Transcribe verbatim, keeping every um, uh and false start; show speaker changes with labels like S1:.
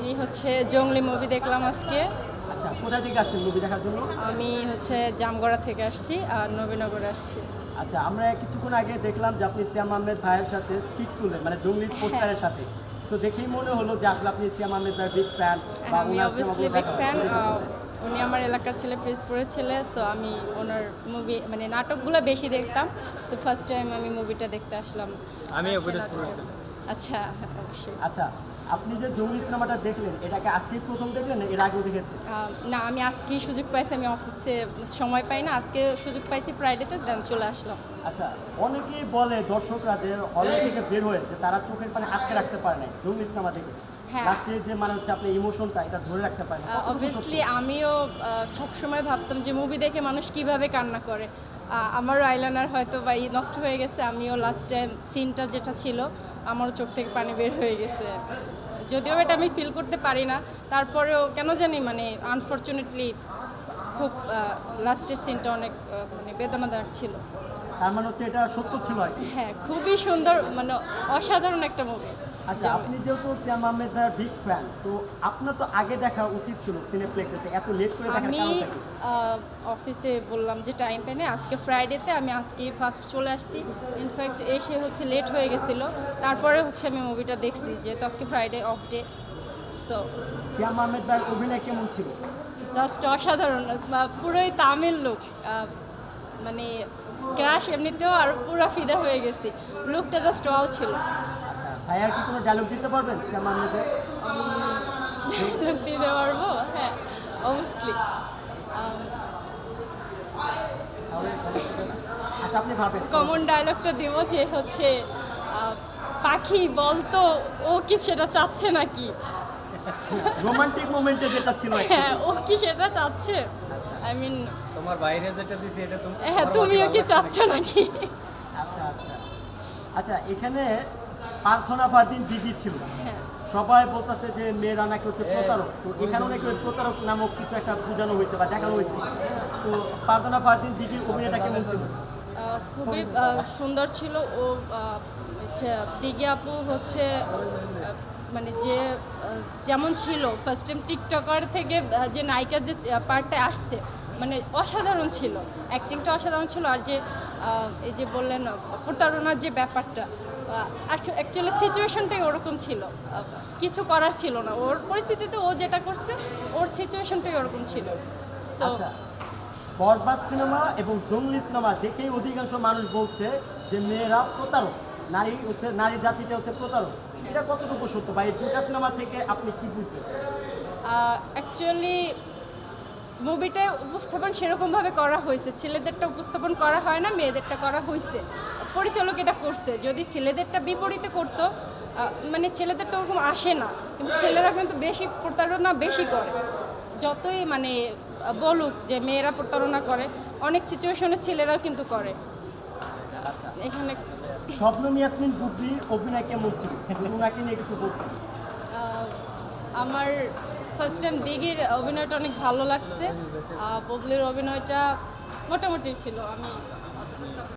S1: আমি হচ্ছে জঙ্গলি মুভি দেখলাম আজকে।
S2: আচ্ছা, কোথা থেকে আসছেন মুভি দেখার জন্য?
S1: আমি হচ্ছে জামগড়া থেকে আসছি আর নবীনগরে আসছি।
S2: আচ্ছা, আমরা কিছুক্ষণ আগে দেখলাম যে আপনি সিয়াম আহমেদ ভাইয়ের সাথে পিক তুললেন, মানে জঙ্গলির পোস্টারের সাথে। তো দেখেই মনে হলো যে আসলে আপনি সিয়াম আহমেদ ভাইয়ের বিগ ফ্যান।
S1: আমি অবভিয়াসলি বিগ ফ্যান। উনি আমার এলাকার ছেলে, পিরোজপুরের ছেলে। সো আমি ওনার মুভি মানে নাটকগুলো বেশি দেখতাম। তো ফার্স্ট টাইম আমি মুভিটা দেখতে আসলাম।
S3: আমি পিরোজপুরের ছেলে।
S1: আচ্ছা, অবশ্যই।
S2: আচ্ছা, আপনি যে জঙ্গলি সিনেমাটা দেখলেন, এটাকে আজকেই প্রথম দেখলেন না এর আগেও দেখেছেন?
S1: আহ, না, আমি আজকেই সুযোগ পাইছি। আমি অফিসে সময় পাই না, আজকে সুযোগ পাইছি ফ্রাইডেতে, দেন চলে আসলাম।
S2: আচ্ছা, অনেকেই বলে দর্শকরা যে হলে থেকে বের হয়ে যে তারা চোখের পানি আটকে রাখতে পারে না জঙ্গলি সিনেমা দেখে।
S1: হ্যাঁ।
S2: লাস্টে যে মানে হচ্ছে আপনি ইমোশনটা এটা ধরে রাখতে পারেন না।
S1: অবভিয়াসলি আমিও সব সময় ভাবতাম যে মুভি দেখে মানুষ কিভাবে কান্না করে। আহ, আমারও আইলাইনার হয়তো বা ই নষ্ট হয়ে গেছে। আমিও লাস্ট টাইম সিনটা যেটা ছিল আমারও চোখ থেকে পানি বের হয়ে গেছে। যদিও এটা আমি ফিল করতে পারি না, তারপরেও কেন জানি মানে আনফর্চুনেটলি খুব লাস্টের সিনটা অনেক আহ, মানে বেদনাদায়ক ছিল।
S2: তার মানে হচ্ছে এটা সত্য ছিল আর কি।
S1: হ্যাঁ, খুবই সুন্দর, মানে অসাধারণ একটা মুভি।
S2: আচ্ছা, আপনি যেহেতু সিয়াম আহমেদ ভাইয়ের বিগ ফ্যান, তো আপনার তো আগে দেখা উচিত ছিল সিনেপ্লেক্সে, এত লেট করে দেখার
S1: আমি
S2: কারণটা কি?
S1: আহ, অফিসে বললাম যে টাইম পেনে আজকে ফ্রাইডেতে আমি আজকে ফার্স্ট চলে আসছি। ইনফ্যাক্ট এসে হচ্ছে লেট হয়ে গেছিলো, তারপরে হচ্ছে আমি মুভিটা দেখছি যেহেতু আজকে Friday off day. So
S2: Siam Ahmed ভাইয়ের অভিনয় কেমন ছিল?
S1: জাস্ট অসাধারণ, বা পুরোই তামিল লুক, মানে ক্রাশ এমনিতেও আর পুরো ফিদা হয়ে গেছি। লুকটা জাস্ট ওয়াও ছিল।
S2: আচ্ছা, ভাইয়ার কি কোনো ডায়লগ দিতে পারবেন সিয়াম আহমেদের?
S1: লুক দিতে পারবো, হ্যাঁ অবভিয়াসলি।
S2: আচ্ছা, আপনি ভাবেন
S1: কমন ডায়লগটা দিব যে হচ্ছে আহ, পাখি বলতো ও কি সেটা চাচ্ছে নাকি।
S2: রোমান্টিক মোমেন্টে যেটা ছিল আর কি।
S1: হ্যাঁ, ও কি সেটা চাচ্ছে, আই মিন
S3: তোমার বাইরে যেটা দিছি এটা তুমি
S1: হ্যাঁ তুমিও কি চাচ্ছ নাকি।
S2: আচ্ছা আচ্ছা আচ্ছা, এখানে প্রার্থনা ফারদিন দিদি ছিল।
S1: হ্যাঁ,
S2: সবাই বলতেছে যে মেয়েরা নাকি হচ্ছে প্রতারক, তো এখানেও নাকি ওই প্রতারক নামক কিছু একটা বোঝানো হয়েছে বা দেখানো হয়েছে। তো প্রার্থনা ফারদিন দিদির অভিনয়টা কেমন ছিল?
S1: আহ, খুবই আহ, সুন্দর ছিল। ও আহ, হচ্ছে দিঘি আপু হচ্ছে আহ, মানে যে আহ, যেমন ছিল ফার্স্ট টাইম টিকটকার থেকে আহ, যে নায়িকার যে পার্টটা আসছে, মানে অসাধারণ ছিল, অ্যাক্টিংটা অসাধারণ ছিল। আর যে আহ, এই যে বললেন আহ, প্রতারণার যে ব্যাপারটা, অ্যাকচুয়ালি সিচুয়েশনটাই ওরকম ছিল, আহ, কিছু করার ছিল না। ওর পরিস্থিতিতে ও যেটা করছে, ওর সিচুয়েশনটাই ওরকম ছিল। সো
S2: আচ্ছা, বরবাদ সিনেমা এবং জঙ্গলি সিনেমা দেখেই অধিকাংশ মানুষ বলছে যে মেয়েরা প্রতারক, নারী হচ্ছে নারী জাতিটা হচ্ছে প্রতারক। এটা কতটুকু সত্য বা এই দুটা সিনেমা থেকে আপনি কি বুঝবেন?
S1: অ্যাকচুয়ালি মুভিটায় উপস্থাপন সেরকমভাবে করা হয়েছে, ছেলেদেরটা উপস্থাপন করা হয় না, মেয়েদেরটা করা হয়েছে। পরিচালক এটা করছে। যদি ছেলেদেরটা বিপরীতে করতো, আহ, মানে ছেলেদেরটা ওরকম আসে না, কিন্তু ছেলেরা কিন্তু বেশি প্রতারণা বেশি করে। যতই মানে আহ, বলুক যে মেয়েরা প্রতারণা করে, অনেক সিচুয়েশনে ছেলেরাও কিন্তু করে। এখানে
S2: শবনম ইয়াসমিন বুবলির অভিনয় কেমন ছিল? ওনাকে নিয়ে কিছু বলতেন?
S1: আহ, আমার ফার্স্ট টাইম দিঘির অভিনয়টা অনেক ভালো লাগছে। আহ, বুবলির অভিনয়টা মোটামুটি ছিল। আমি